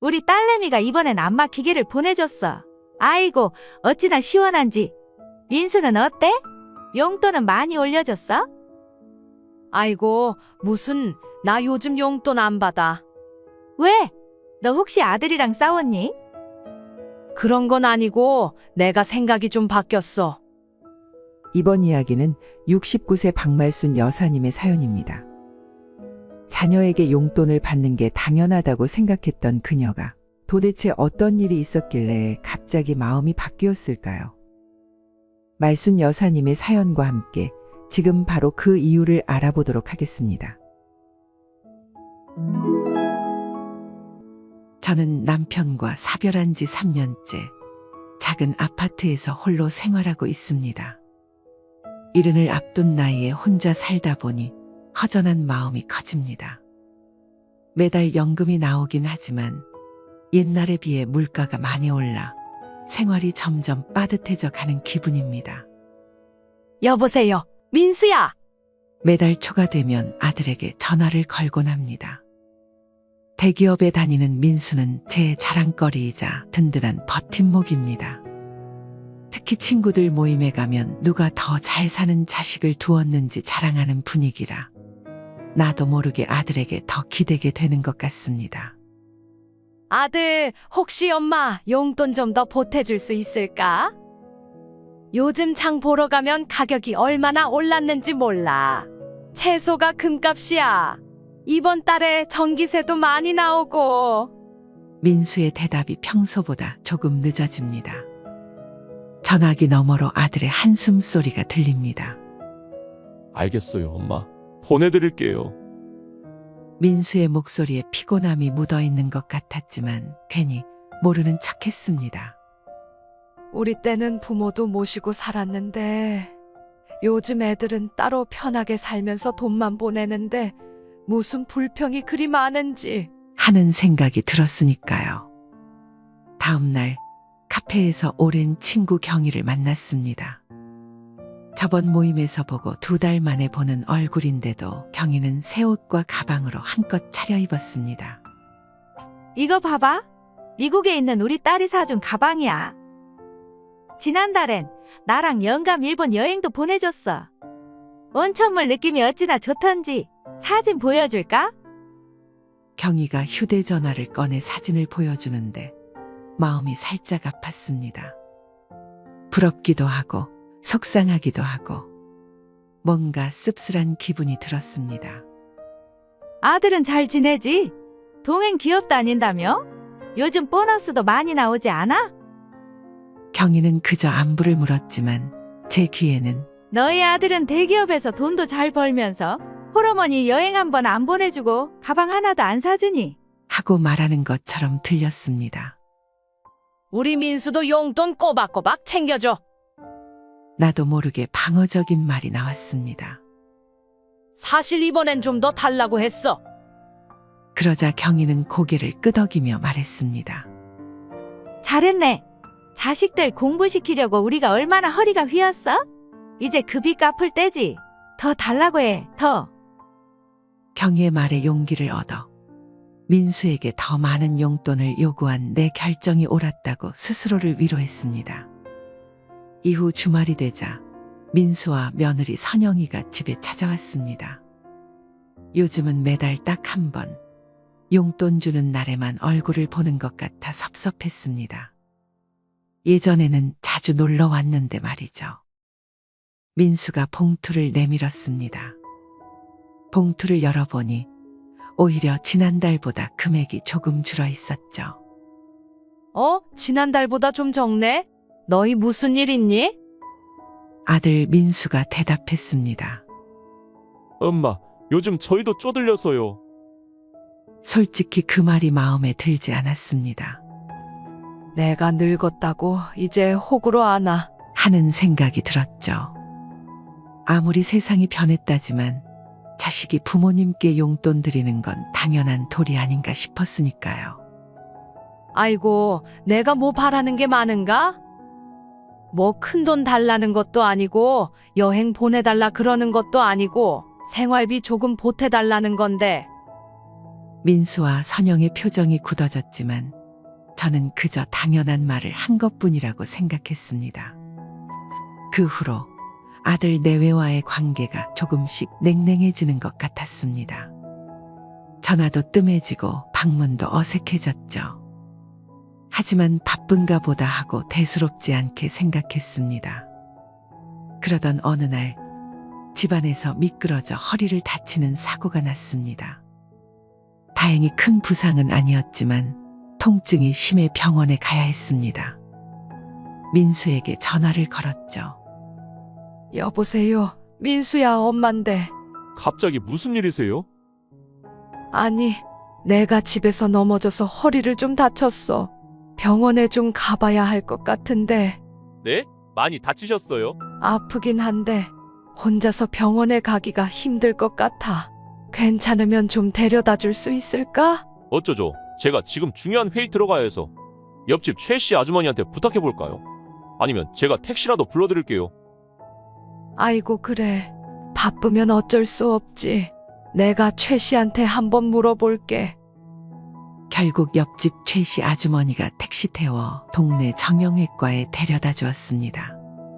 우리 딸내미가 이번엔 안 막히기를 보내줬어. 아이고, 어찌나 시원한지. 민수는 어때? 용돈은 많이 올려줬어? 아이고, 무슨, 나 요즘 용돈 안 받아. 왜? 너 혹시 아들이랑 싸웠니? 그런 건 아니고 내가 생각이 좀 바뀌었어. 이번 이야기는 69세 박말순 여사님의 사연입니다. 자녀에게 용돈을 받는 게 당연하다고 생각했던 그녀가 도대체 어떤 일이 있었길래 갑자기 마음이 바뀌었을까요? 말순 여사님의 사연과 함께 지금 바로 그 이유를 알아보도록 하겠습니다. 저는 남편과 사별한 지 3년째 작은 아파트에서 홀로 생활하고 있습니다. 이른을 앞둔 나이에 혼자 살다 보니 허전한 마음이 커집니다. 매달 연금이 나오긴 하지만 옛날에 비해 물가가 많이 올라 생활이 점점 빠듯해져 가는 기분입니다. 여보세요, 민수야. 매달 초가 되면 아들에게 전화를 걸곤 합니다. 대기업에 다니는 민수는 제 자랑거리이자 든든한 버팀목입니다. 특히 친구들 모임에 가면 누가 더 잘 사는 자식을 두었는지 자랑하는 분위기라 나도 모르게 아들에게 더 기대게 되는 것 같습니다. 아들, 혹시 엄마 용돈 좀 더 보태줄 수 있을까? 요즘 장 보러 가면 가격이 얼마나 올랐는지 몰라. 채소가 금값이야. 이번 달에 전기세도 많이 나오고. 민수의 대답이 평소보다 조금 늦어집니다. 전화기 너머로 아들의 한숨 소리가 들립니다. 알겠어요, 엄마. 보내드릴게요. 민수의 목소리에 피곤함이 묻어있는 것 같았지만 괜히 모르는 척했습니다. 우리 때는 부모도 모시고 살았는데 요즘 애들은 따로 편하게 살면서 돈만 보내는데 무슨 불평이 그리 많은지. 하는 생각이 들었으니까요. 다음 날 카페에서 오랜 친구 경희를 만났습니다. 저번 모임에서 보고 2달 만에 보는 얼굴인데도 경희는 새 옷과 가방으로 한껏 차려입었습니다. 이거 봐봐. 미국에 있는 우리 딸이 사준 가방이야. 지난달엔 나랑 영감 일본 여행도 보내줬어. 온천물 느낌이 어찌나 좋던지 사진 보여줄까? 경희가 휴대전화를 꺼내 사진을 보여주는데 마음이 살짝 아팠습니다. 부럽기도 하고 속상하기도 하고 뭔가 씁쓸한 기분이 들었습니다. 아들은 잘 지내지? 동행 기업 다닌다며? 요즘 보너스도 많이 나오지 않아? 경희는 그저 안부를 물었지만 제 귀에는 너희 아들은 대기업에서 돈도 잘 벌면서 홀어머니 여행 한 번 안 보내주고 가방 하나도 안 사주니? 하고 말하는 것처럼 들렸습니다. 우리 민수도 용돈 꼬박꼬박 챙겨줘. 나도 모르게 방어적인 말이 나왔습니다. 사실 이번엔 좀 더 달라고 했어. 그러자 경희는 고개를 끄덕이며 말했습니다. 잘했네. 자식들 공부시키려고 우리가 얼마나 허리가 휘었어? 이제 그 빚 갚을 때지. 더 달라고 해, 더. 경희의 말에 용기를 얻어 민수에게 더 많은 용돈을 요구한 내 결정이 옳았다고 스스로를 위로했습니다. 이후 주말이 되자 민수와 며느리 선영이가 집에 찾아왔습니다. 요즘은 매달 딱 한 번 용돈 주는 날에만 얼굴을 보는 것 같아 섭섭했습니다. 예전에는 자주 놀러 왔는데 말이죠. 민수가 봉투를 내밀었습니다. 봉투를 열어보니 오히려 지난달보다 금액이 조금 줄어 있었죠. 지난달보다 좀 적네? 너희 무슨 일 있니? 아들 민수가 대답했습니다. 엄마, 요즘 저희도 쪼들려서요. 솔직히 그 말이 마음에 들지 않았습니다. 내가 늙었다고 이제 호구로 아나. 하는 생각이 들었죠. 아무리 세상이 변했다지만 자식이 부모님께 용돈 드리는 건 당연한 도리 아닌가 싶었으니까요. 아이고, 내가 뭐 바라는 게 많은가? 뭐 큰 돈 달라는 것도 아니고 여행 보내달라 그러는 것도 아니고 생활비 조금 보태달라는 건데 민수와 선영의 표정이 굳어졌지만 저는 그저 당연한 말을 한 것뿐이라고 생각했습니다. 그 후로 아들 내외와의 관계가 조금씩 냉랭해지는 것 같았습니다. 전화도 뜸해지고 방문도 어색해졌죠. 하지만 바쁜가 보다 하고 대수롭지 않게 생각했습니다. 그러던 어느 날 집안에서 미끄러져 허리를 다치는 사고가 났습니다. 다행히 큰 부상은 아니었지만 통증이 심해 병원에 가야 했습니다. 민수에게 전화를 걸었죠. 여보세요. 민수야, 엄만데. 갑자기 무슨 일이세요? 아니, 내가 집에서 넘어져서 허리를 좀 다쳤어. 병원에 좀 가봐야 할 것 같은데. 네? 많이 다치셨어요? 아프긴 한데 혼자서 병원에 가기가 힘들 것 같아. 괜찮으면 좀 데려다 줄 수 있을까? 어쩌죠? 제가 지금 중요한 회의 들어가야 해서 옆집 최 씨 아주머니한테 부탁해 볼까요? 아니면 제가 택시라도 불러드릴게요. 아이고, 그래. 바쁘면 어쩔 수 없지. 내가 최 씨한테 한번 물어볼게. 결국 옆집 최 씨 아주머니가 택시 태워 동네 정형외과에 데려다 주었습니다.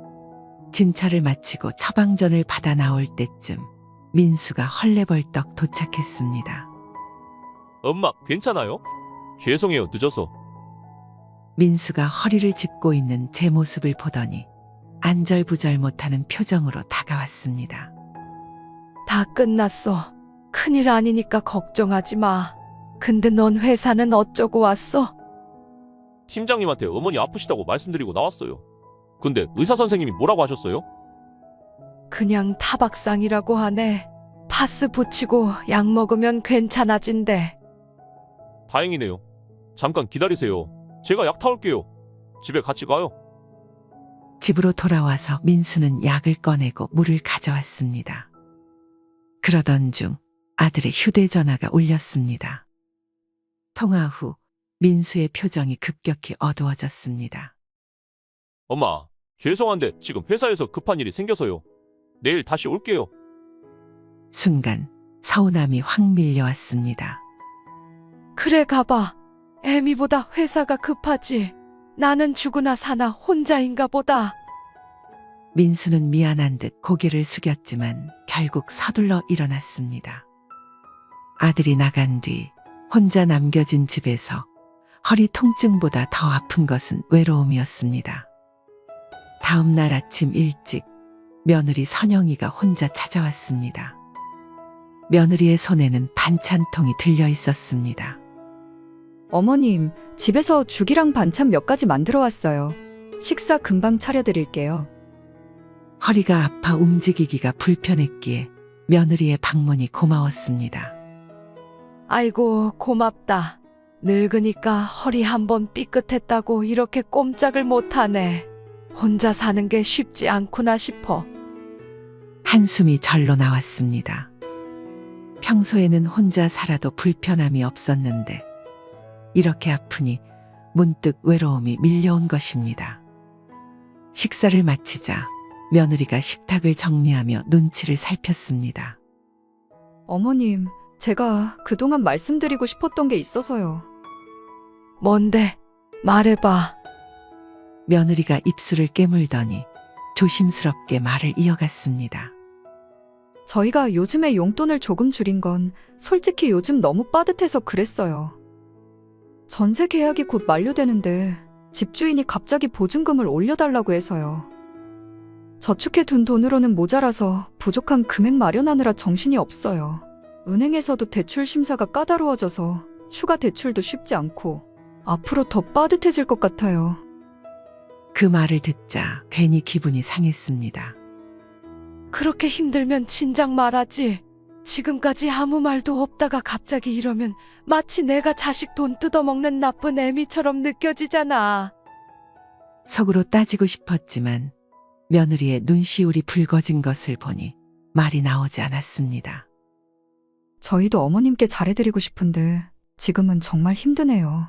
진찰을 마치고 처방전을 받아 나올 때쯤 민수가 헐레벌떡 도착했습니다. 엄마, 괜찮아요? 죄송해요, 늦어서. 민수가 허리를 짚고 있는 제 모습을 보더니 안절부절 못하는 표정으로 다가왔습니다. 다 끝났어. 큰일 아니니까 걱정하지 마. 근데 넌 회사는 어쩌고 왔어? 팀장님한테 어머니 아프시다고 말씀드리고 나왔어요. 근데 의사 선생님이 뭐라고 하셨어요? 그냥 타박상이라고 하네. 파스 붙이고 약 먹으면 괜찮아진대. 다행이네요. 잠깐 기다리세요. 제가 약 타올게요. 집에 같이 가요. 집으로 돌아와서 민수는 약을 꺼내고 물을 가져왔습니다. 그러던 중 아들의 휴대전화가 울렸습니다. 통화 후 민수의 표정이 급격히 어두워졌습니다. 엄마, 죄송한데 지금 회사에서 급한 일이 생겨서요. 내일 다시 올게요. 순간 서운함이 확 밀려왔습니다. 그래, 가봐. 애미보다 회사가 급하지. 나는 죽으나 사나 혼자인가 보다. 민수는 미안한 듯 고개를 숙였지만 결국 서둘러 일어났습니다. 아들이 나간 뒤 혼자 남겨진 집에서 허리 통증보다 더 아픈 것은 외로움이었습니다. 다음 날 아침 일찍 며느리 선영이가 혼자 찾아왔습니다. 며느리의 손에는 반찬통이 들려 있었습니다. 어머님, 집에서 죽이랑 반찬 몇 가지 만들어 왔어요. 식사 금방 차려드릴게요. 허리가 아파 움직이기가 불편했기에 며느리의 방문이 고마웠습니다. 아이고, 고맙다. 늙으니까 허리 한번 삐끗했다고 이렇게 꼼짝을 못하네. 혼자 사는 게 쉽지 않구나 싶어. 한숨이 절로 나왔습니다. 평소에는 혼자 살아도 불편함이 없었는데 이렇게 아프니 문득 외로움이 밀려온 것입니다. 식사를 마치자 며느리가 식탁을 정리하며 눈치를 살폈습니다. 어머님, 제가 그동안 말씀드리고 싶었던 게 있어서요. 뭔데? 말해봐. 며느리가 입술을 깨물더니 조심스럽게 말을 이어갔습니다. 저희가 요즘에 용돈을 조금 줄인 건 솔직히 요즘 너무 빠듯해서 그랬어요. 전세 계약이 곧 만료되는데 집주인이 갑자기 보증금을 올려달라고 해서요. 저축해둔 돈으로는 모자라서 부족한 금액 마련하느라 정신이 없어요. 은행에서도 대출 심사가 까다로워져서 추가 대출도 쉽지 않고 앞으로 더 빠듯해질 것 같아요. 그 말을 듣자 괜히 기분이 상했습니다. 그렇게 힘들면 진작 말하지. 지금까지 아무 말도 없다가 갑자기 이러면 마치 내가 자식 돈 뜯어먹는 나쁜 애미처럼 느껴지잖아. 속으로 따지고 싶었지만 며느리의 눈시울이 붉어진 것을 보니 말이 나오지 않았습니다. 저희도 어머님께 잘해드리고 싶은데 지금은 정말 힘드네요.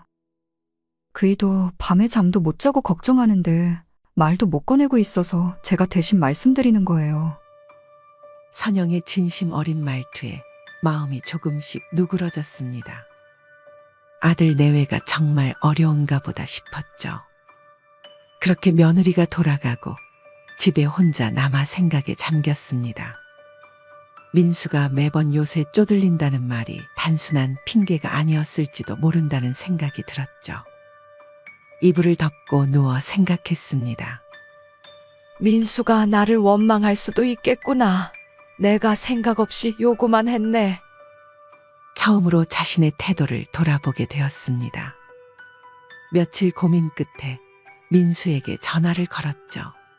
그이도 밤에 잠도 못 자고 걱정하는데 말도 못 꺼내고 있어서 제가 대신 말씀드리는 거예요. 선영의 진심 어린 말투에 마음이 조금씩 누그러졌습니다. 아들 내외가 정말 어려운가 보다 싶었죠. 그렇게 며느리가 돌아가고 집에 혼자 남아 생각에 잠겼습니다. 민수가 매번 요새 쪼들린다는 말이 단순한 핑계가 아니었을지도 모른다는 생각이 들었죠. 이불을 덮고 누워 생각했습니다. 민수가 나를 원망할 수도 있겠구나. 내가 생각 없이 요구만 했네. 처음으로 자신의 태도를 돌아보게 되었습니다. 며칠 고민 끝에 민수에게 전화를 걸었죠.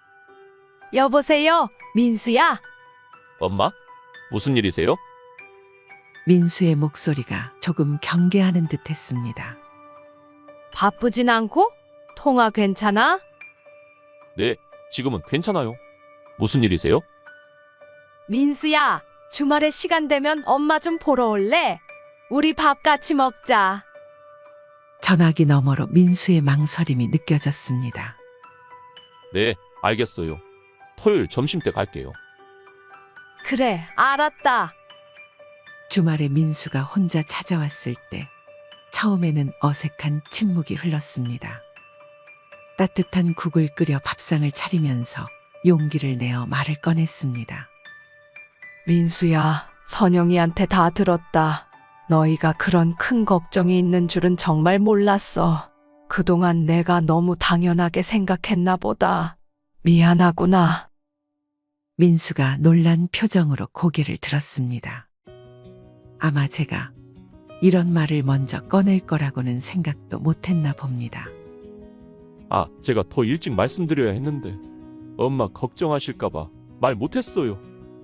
여보세요, 민수야? 엄마? 무슨 일이세요? 민수의 목소리가 조금 경계하는 듯 했습니다. 바쁘진 않고? 통화 괜찮아? 네, 지금은 괜찮아요. 무슨 일이세요? 민수야, 주말에 시간 되면 엄마 좀 보러 올래? 우리 밥 같이 먹자. 전화기 너머로 민수의 망설임이 느껴졌습니다. 네, 알겠어요. 토요일 점심때 갈게요. 그래, 알았다. 주말에 민수가 혼자 찾아왔을 때 처음에는 어색한 침묵이 흘렀습니다. 따뜻한 국을 끓여 밥상을 차리면서 용기를 내어 말을 꺼냈습니다. 민수야, 선영이한테 다 들었다. 너희가 그런 큰 걱정이 있는 줄은 정말 몰랐어. 그동안 내가 너무 당연하게 생각했나 보다. 미안하구나. 민수가 놀란 표정으로 고개를 들었습니다. 아마 제가 이런 말을 먼저 꺼낼 거라고는 생각도 못했나 봅니다. 아, 제가 더 일찍 말씀드려야 했는데 엄마 걱정하실까봐 말 못했어요.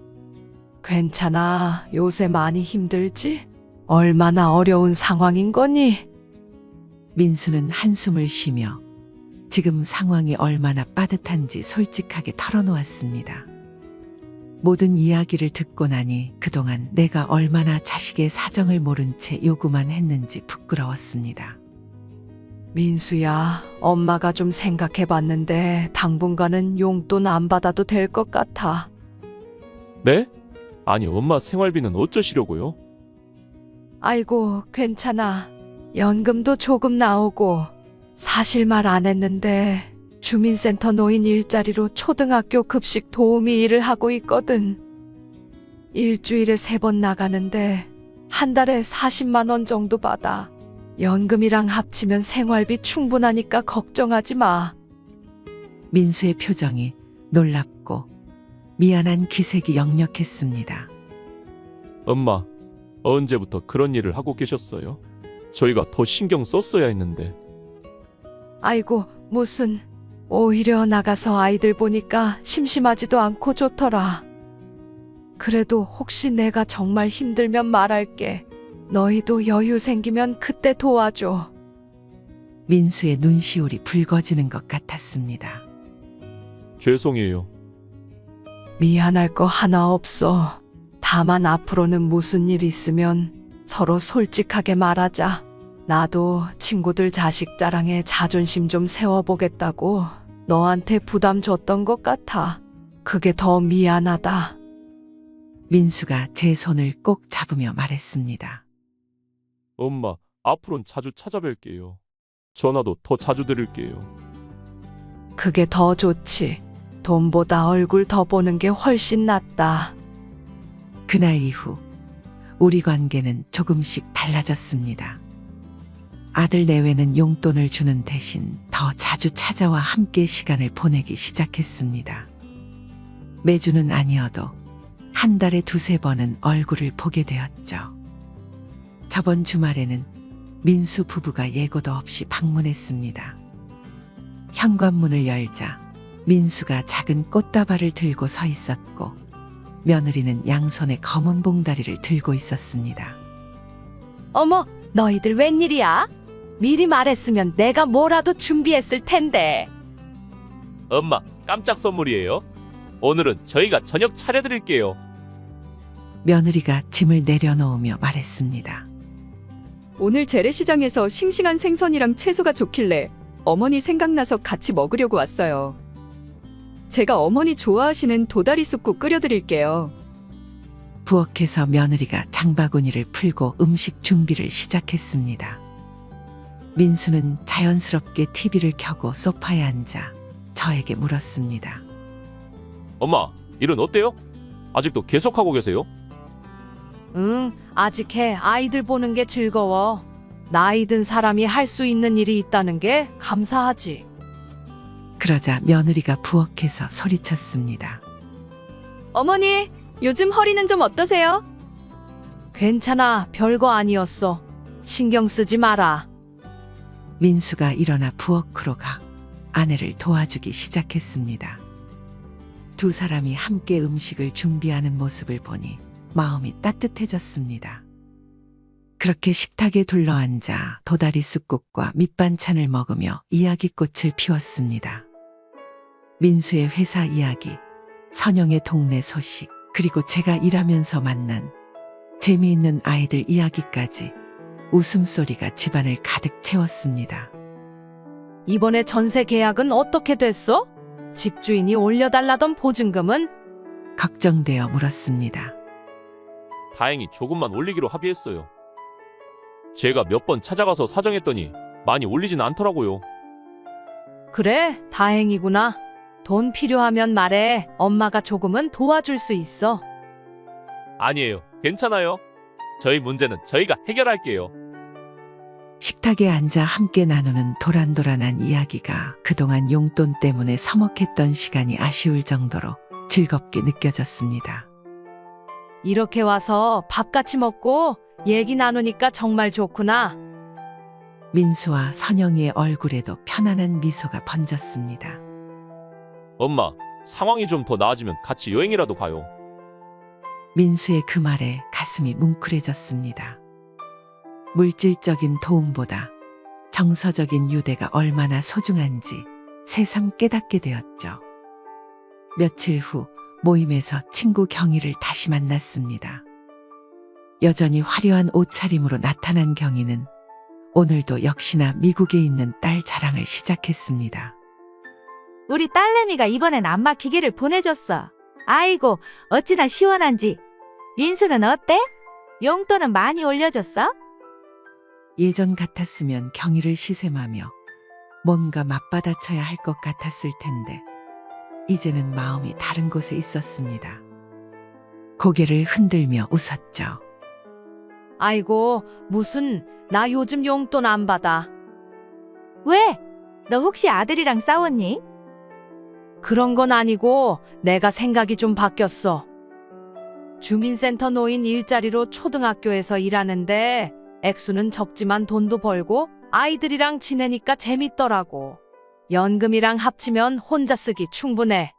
괜찮아. 요새 많이 힘들지? 얼마나 어려운 상황인 거니? 민수는 한숨을 쉬며 지금 상황이 얼마나 빠듯한지 솔직하게 털어놓았습니다. 모든 이야기를 듣고 나니 그동안 내가 얼마나 자식의 사정을 모른 채 요구만 했는지 부끄러웠습니다. 민수야, 엄마가 좀 생각해 봤는데 당분간은 용돈 안 받아도 될 것 같아. 네? 아니, 엄마 생활비는 어쩌시려고요? 아이고, 괜찮아. 연금도 조금 나오고. 사실 말 안 했는데 주민센터 노인 일자리로 초등학교 급식 도우미 일을 하고 있거든. 일주일에 3번 나가는데 한 달에 40만 원 정도 받아. 연금이랑 합치면 생활비 충분하니까 걱정하지 마. 민수의 표정이 놀랍고 미안한 기색이 역력했습니다. 엄마, 언제부터 그런 일을 하고 계셨어요? 저희가 더 신경 썼어야 했는데. 아이고, 무슨. 오히려 나가서 아이들 보니까 심심하지도 않고 좋더라. 그래도 혹시 내가 정말 힘들면 말할게. 너희도 여유 생기면 그때 도와줘. 민수의 눈시울이 붉어지는 것 같았습니다. 죄송해요. 미안할 거 하나 없어. 다만 앞으로는 무슨 일 있으면 서로 솔직하게 말하자. 나도 친구들 자식 자랑에 자존심 좀 세워보겠다고 너한테 부담 줬던 것 같아. 그게 더 미안하다. 민수가 제 손을 꼭 잡으며 말했습니다. 엄마, 앞으론 자주 찾아뵐게요. 전화도 더 자주 드릴게요. 그게 더 좋지. 돈보다 얼굴 더 보는 게 훨씬 낫다. 그날 이후 우리 관계는 조금씩 달라졌습니다. 아들 내외는 용돈을 주는 대신 더 자주 찾아와 함께 시간을 보내기 시작했습니다. 매주는 아니어도 한 달에 2-3번은 얼굴을 보게 되었죠. 저번 주말에는 민수 부부가 예고도 없이 방문했습니다. 현관문을 열자 민수가 작은 꽃다발을 들고 서 있었고 며느리는 양손에 검은 봉다리를 들고 있었습니다. 어머, 너희들 웬일이야? 미리 말했으면 내가 뭐라도 준비했을 텐데. 엄마, 깜짝 선물이에요. 오늘은 저희가 저녁 차려드릴게요. 며느리가 짐을 내려놓으며 말했습니다. 오늘 재래시장에서 싱싱한 생선이랑 채소가 좋길래 어머니 생각나서 같이 먹으려고 왔어요. 제가 어머니 좋아하시는 도다리 쑥국 끓여드릴게요. 부엌에서 며느리가 장바구니를 풀고 음식 준비를 시작했습니다. 민수는 자연스럽게 TV를 켜고 소파에 앉아 저에게 물었습니다. 엄마, 일은 어때요? 아직도 계속하고 계세요? 응, 아직 해. 아이들 보는 게 즐거워. 나이 든 사람이 할 수 있는 일이 있다는 게 감사하지. 그러자 며느리가 부엌에서 소리쳤습니다. 어머니, 요즘 허리는 좀 어떠세요? 괜찮아. 별거 아니었어. 신경 쓰지 마라. 민수가 일어나 부엌으로 가 아내를 도와주기 시작했습니다. 두 사람이 함께 음식을 준비하는 모습을 보니 마음이 따뜻해졌습니다. 그렇게 식탁에 둘러앉아 도다리 쑥국과 밑반찬을 먹으며 이야기꽃을 피웠습니다. 민수의 회사 이야기, 선영의 동네 소식, 그리고 제가 일하면서 만난 재미있는 아이들 이야기까지 웃음소리가 집안을 가득 채웠습니다. 이번에 전세 계약은 어떻게 됐어? 집주인이 올려달라던 보증금은? 걱정되어 물었습니다. 다행히 조금만 올리기로 합의했어요. 제가 몇 번 찾아가서 사정했더니 많이 올리진 않더라고요. 그래, 다행이구나. 돈 필요하면 말해. 엄마가 조금은 도와줄 수 있어. 아니에요. 괜찮아요. 저희 문제는 저희가 해결할게요. 식탁에 앉아 함께 나누는 도란도란한 이야기가 그동안 용돈 때문에 서먹했던 시간이 아쉬울 정도로 즐겁게 느껴졌습니다. 이렇게 와서 밥 같이 먹고 얘기 나누니까 정말 좋구나. 민수와 선영이의 얼굴에도 편안한 미소가 번졌습니다. 엄마, 상황이 좀 더 나아지면 같이 여행이라도 가요. 민수의 그 말에 가슴이 뭉클해졌습니다. 물질적인 도움보다 정서적인 유대가 얼마나 소중한지 새삼 깨닫게 되었죠. 며칠 후 모임에서 친구 경희를 다시 만났습니다. 여전히 화려한 옷차림으로 나타난 경희는 오늘도 역시나 미국에 있는 딸 자랑을 시작했습니다. 우리 딸내미가 이번엔 안마 기계를 보내줬어. 아이고, 어찌나 시원한지. 민수는 어때? 용돈은 많이 올려줬어? 예전 같았으면 경희를 시샘하며 뭔가 맞받아쳐야 할 것 같았을 텐데 이제는 마음이 다른 곳에 있었습니다. 고개를 흔들며 웃었죠. 아이고, 무슨, 나 요즘 용돈 안 받아. 왜? 너 혹시 아들이랑 싸웠니? 그런 건 아니고 내가 생각이 좀 바뀌었어. 주민센터 노인 일자리로 초등학교에서 일하는데 액수는 적지만 돈도 벌고 아이들이랑 지내니까 재밌더라고. 연금이랑 합치면 혼자 쓰기 충분해.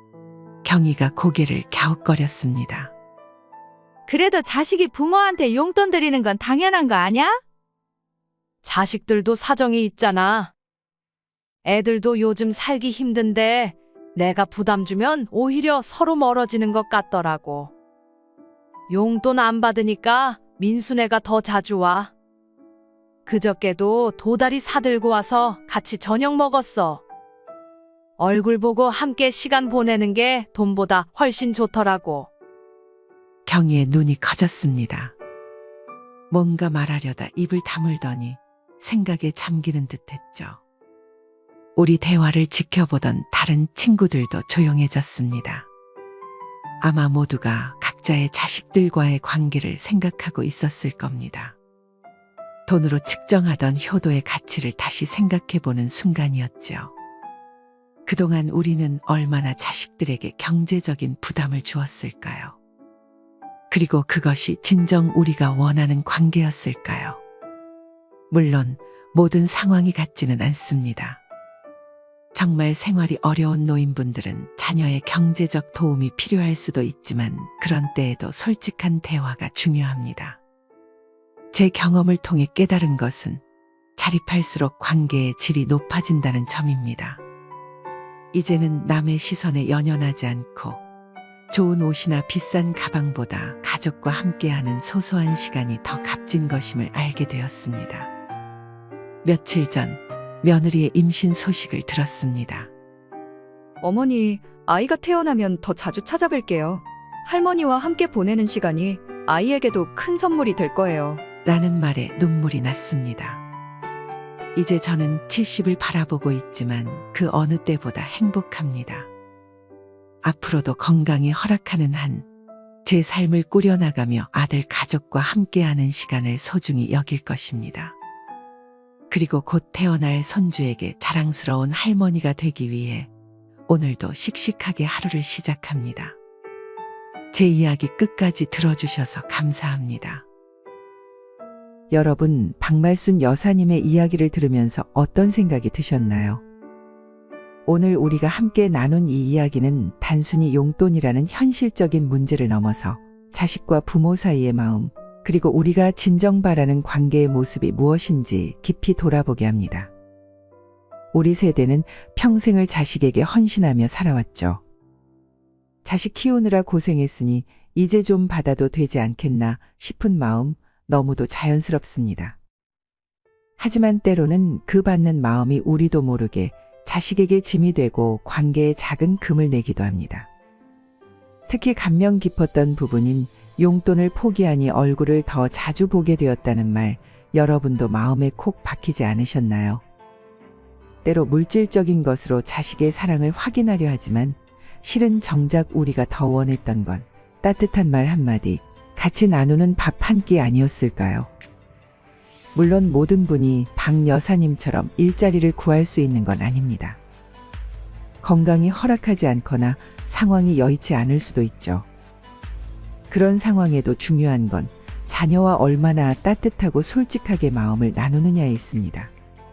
경희가 고개를 갸웃거렸습니다. 그래도 자식이 부모한테 용돈 드리는 건 당연한 거 아냐? 자식들도 사정이 있잖아. 애들도 요즘 살기 힘든데 내가 부담 주면 오히려 서로 멀어지는 것 같더라고. 용돈 안 받으니까 민수네가 더 자주 와. 그저께도 도다리 사들고 와서 같이 저녁 먹었어. 얼굴 보고 함께 시간 보내는 게 돈보다 훨씬 좋더라고. 경희의 눈이 커졌습니다. 뭔가 말하려다 입을 다물더니 생각에 잠기는 듯했죠. 우리 대화를 지켜보던 다른 친구들도 조용해졌습니다. 아마 모두가 각자의 자식들과의 관계를 생각하고 있었을 겁니다. 돈으로 측정하던 효도의 가치를 다시 생각해보는 순간이었죠. 그동안 우리는 얼마나 자식들에게 경제적인 부담을 주었을까요? 그리고 그것이 진정 우리가 원하는 관계였을까요? 물론 모든 상황이 같지는 않습니다. 정말 생활이 어려운 노인분들은 자녀의 경제적 도움이 필요할 수도 있지만 그런 때에도 솔직한 대화가 중요합니다. 제 경험을 통해 깨달은 것은 자립할수록 관계의 질이 높아진다는 점입니다. 이제는 남의 시선에 연연하지 않고 좋은 옷이나 비싼 가방보다 가족과 함께하는 소소한 시간이 더 값진 것임을 알게 되었습니다. 며칠 전 며느리의 임신 소식을 들었습니다. 어머니, 아이가 태어나면 더 자주 찾아뵐게요. 할머니와 함께 보내는 시간이 아이에게도 큰 선물이 될 거예요. 라는 말에 눈물이 났습니다. 이제 저는 70을 바라보고 있지만 그 어느 때보다 행복합니다. 앞으로도 건강이 허락하는 한 제 삶을 꾸려나가며 아들 가족과 함께하는 시간을 소중히 여길 것입니다. 그리고 곧 태어날 손주에게 자랑스러운 할머니가 되기 위해 오늘도 씩씩하게 하루를 시작합니다. 제 이야기 끝까지 들어주셔서 감사합니다. 여러분, 박말순 여사님의 이야기를 들으면서 어떤 생각이 드셨나요? 오늘 우리가 함께 나눈 이 이야기는 단순히 용돈이라는 현실적인 문제를 넘어서 자식과 부모 사이의 마음, 그리고 우리가 진정 바라는 관계의 모습이 무엇인지 깊이 돌아보게 합니다. 우리 세대는 평생을 자식에게 헌신하며 살아왔죠. 자식 키우느라 고생했으니 이제 좀 받아도 되지 않겠나 싶은 마음 너무도 자연스럽습니다. 하지만 때로는 그 받는 마음이 우리도 모르게 자식에게 짐이 되고 관계에 작은 금을 내기도 합니다. 특히 감명 깊었던 부분인 용돈을 포기하니 얼굴을 더 자주 보게 되었다는 말, 여러분도 마음에 콕 박히지 않으셨나요? 때로 물질적인 것으로 자식의 사랑을 확인하려 하지만 실은 정작 우리가 더 원했던 건 따뜻한 말 한마디, 같이 나누는 밥 한 끼 아니었을까요? 물론 모든 분이 박 여사님처럼 일자리를 구할 수 있는 건 아닙니다. 건강이 허락하지 않거나 상황이 여의치 않을 수도 있죠. 그런 상황에도 중요한 건 자녀와 얼마나 따뜻하고 솔직하게 마음을 나누느냐에 있습니다.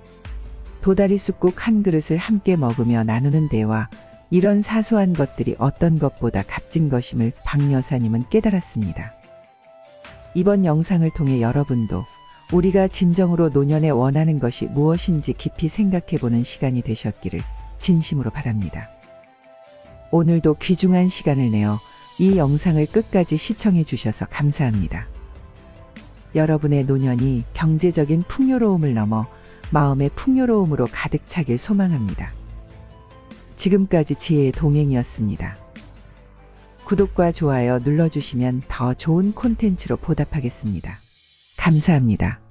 도다리 쑥국 한 그릇을 함께 먹으며 나누는 대화, 이런 사소한 것들이 어떤 것보다 값진 것임을 박 여사님은 깨달았습니다. 이번 영상을 통해 여러분도 우리가 진정으로 노년에 원하는 것이 무엇인지 깊이 생각해보는 시간이 되셨기를 진심으로 바랍니다. 오늘도 귀중한 시간을 내어 이 영상을 끝까지 시청해 주셔서 감사합니다. 여러분의 노년이 경제적인 풍요로움을 넘어 마음의 풍요로움으로 가득 차길 소망합니다. 지금까지 지혜의 동행이었습니다. 구독과 좋아요 눌러주시면 더 좋은 콘텐츠로 보답하겠습니다. 감사합니다.